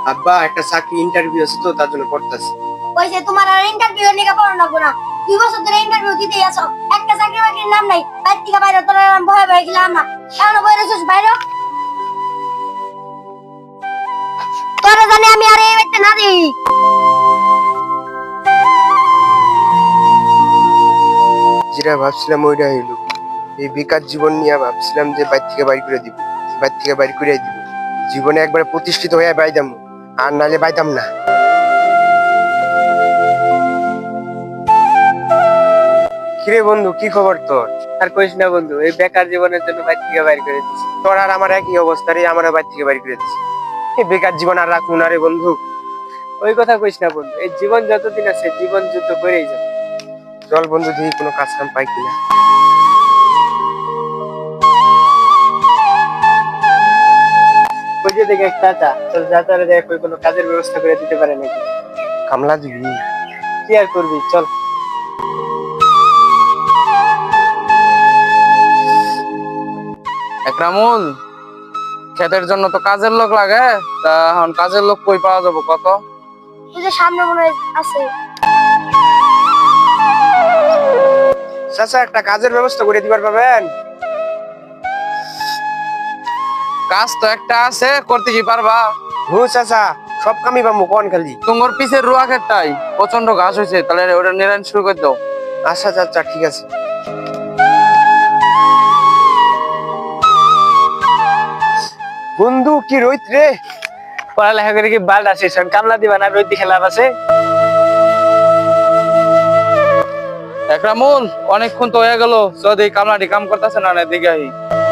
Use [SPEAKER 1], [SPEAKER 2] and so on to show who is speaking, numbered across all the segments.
[SPEAKER 1] আব্বা একটা চাকরি ইন্টারভিউ আছে তো তার জন্য পড়তাছি।
[SPEAKER 2] ওই যে তোমার আর ইন্টারভিউ নিয়ে পড়ানো লাগবো না। 2 বছর ধরে ইন্টারভিউ দিতেই আছো, একটা চাকরি বাকরির নাম নাই। বাইর থেকে বাইরে তোর ভয় ভয় গেলাম না, এখনো বই রেছিস বাইরে। তোরা জানি আমি আর এই বাড়িতে না দিই।
[SPEAKER 1] যেটা ভাবছিলাম ওইটা হইলো। এই বেকার জীবন নিয়ে ভাবছিলাম যে বাইর থেকে বাইর করে দিব, বাইর থেকে বাইর করে দিব, জীবনে একবারে প্রতিষ্ঠিত হয়ে বাইদাম, আর নালে বাইদাম না। কিরে বন্ধু, কি খবর তোর?
[SPEAKER 3] আর কইস না বন্ধু, এই বেকার জীবনের জন্য বাইর থেকে বাইর করে দিছি।
[SPEAKER 1] তোর আর আমার একই অবস্থা রে, আমারও বাইর থেকে বাইর করে দিছি। এই বেকার জীবন আর রাখবো না রে বন্ধু।
[SPEAKER 3] ওই কথা কইস না বন্ধু, এই জীবন যতদিন আছে জীবন যুদ্ধ করেই যাবে।
[SPEAKER 1] চল বন্ধু, দেখি কোনো কাজ কাম পাই কিনা।
[SPEAKER 3] ওই যে দেখে এক চাচা, তোর চাচারে দেখ ওই কোনো কাজের ব্যবস্থা করে দিতে পারে নাকি।
[SPEAKER 1] কামলা দিবি?
[SPEAKER 3] কি আর করবি, চল।
[SPEAKER 4] একরামুল, ক্ষেতের জন্য তো কাজের লোক লাগে, তা এখন কাজের লোক কই পাওয়া যাবো কত?
[SPEAKER 2] ওই যে সামনে মনে হয় আছে।
[SPEAKER 1] চাচা একটা কাজের ব্যবস্থা করে দিবার পাবেন?
[SPEAKER 4] কাজ তো একটা আছে, করতে কি পারবা?
[SPEAKER 1] হু চাচা, সব কামই পাবো, কোন খালি।
[SPEAKER 4] তোমার পিছের রুয়া ক্ষেতটাই প্রচন্ড ঘাস হয়েছে, তাহলে ওটা নিরান শুরু করে দাও।
[SPEAKER 1] আচ্ছা চাচা, ঠিক আছে। বন্ধু কি রইত রে!
[SPEAKER 3] পড়ালেখা করে কি বাল আছে, সব কামলা দিবা না, রোদ দেখে লাভ আছে?
[SPEAKER 4] একরামুল, অনেকক্ষণ তো হয়ে গেল, যদি কামলাটি কাম করতেছে না, দিকে আহি।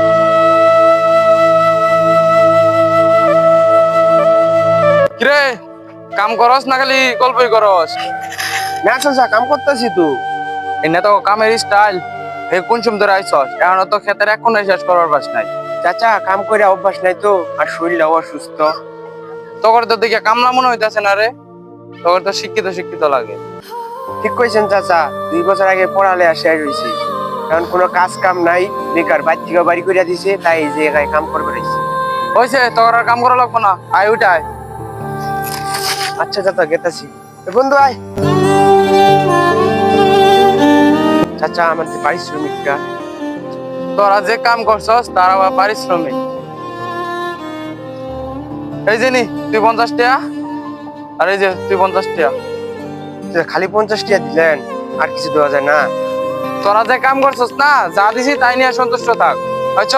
[SPEAKER 4] কিরে, কাম করস না খালি গল্পই করস?
[SPEAKER 1] না চাচা, কাম করতেছি তো।
[SPEAKER 4] এনে তো কামের স্টাইল। হে কোন সময় ধরে আইসস, এখন তো ক্ষেতের এখন শেষ করার বাস নাই।
[SPEAKER 1] চাচা কাম করে অভ্যাস নাই তো, আর শরীরটাও অসুস্থ।
[SPEAKER 4] তোর তো দেখে কামলা মনে হইতেছে না রে, তোর তো শিক্ষিত শিক্ষিত লাগে।
[SPEAKER 1] ঠিক কইছেন চাচা, 2 বছর আগে পড়ালেখা শেষ হয়েছে, এখন কোনো কাজ কাম নাই, বেকার। বাইর থেকে বাড়ি করিয়া দিছে, তাই এই জায়গায় কাম করবে রয়েছে।
[SPEAKER 4] হয়েছে, তোর আর কাম করা লাগবো না, আয় উঠায়।
[SPEAKER 1] আচ্ছা চাচা, গেতাছি। বন্ধু আয়। চাচা আমার যে পারিশ্রমিকটা।
[SPEAKER 4] তোরা যে কাম করছস তার আবার পারিশ্রমিক। এই যে নি, তুই 50 টাকা, আর এই যে তুই 50 টাকা।
[SPEAKER 1] খালি 50 টাকা দিলেন, আর কিছু দেওয়া যায় না?
[SPEAKER 4] তোরা যে কাম করছস না, যা দিছি তাই নিয়ে সন্তুষ্ট থাক। আচ্ছা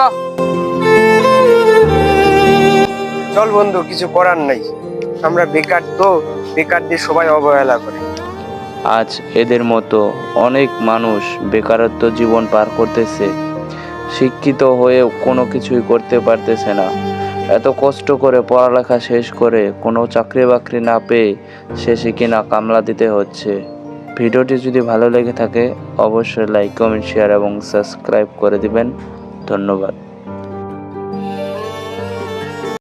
[SPEAKER 1] চল বন্ধু, কিছু করার নাই, আমরা বেকার তো, বেকারদের সবাই অবহেলা করে।
[SPEAKER 5] আজ এদের মতো অনেক মানুষ বেকারত্ব জীবন পার করতেছে, শিক্ষিত হয়েও কোনো কিছুই করতে পারতেছে না। এত কষ্ট করে পড়ালেখা শেষ করে কোনো চাকরি বাকরি না পেয়ে শেষে কিনা কামলা দিতে হচ্ছে। ভিডিওটি যদি ভালো লেগে থাকে অবশ্যই লাইক, কমেন্ট, শেয়ার এবং সাবস্ক্রাইব করে দিবেন। ধন্যবাদ।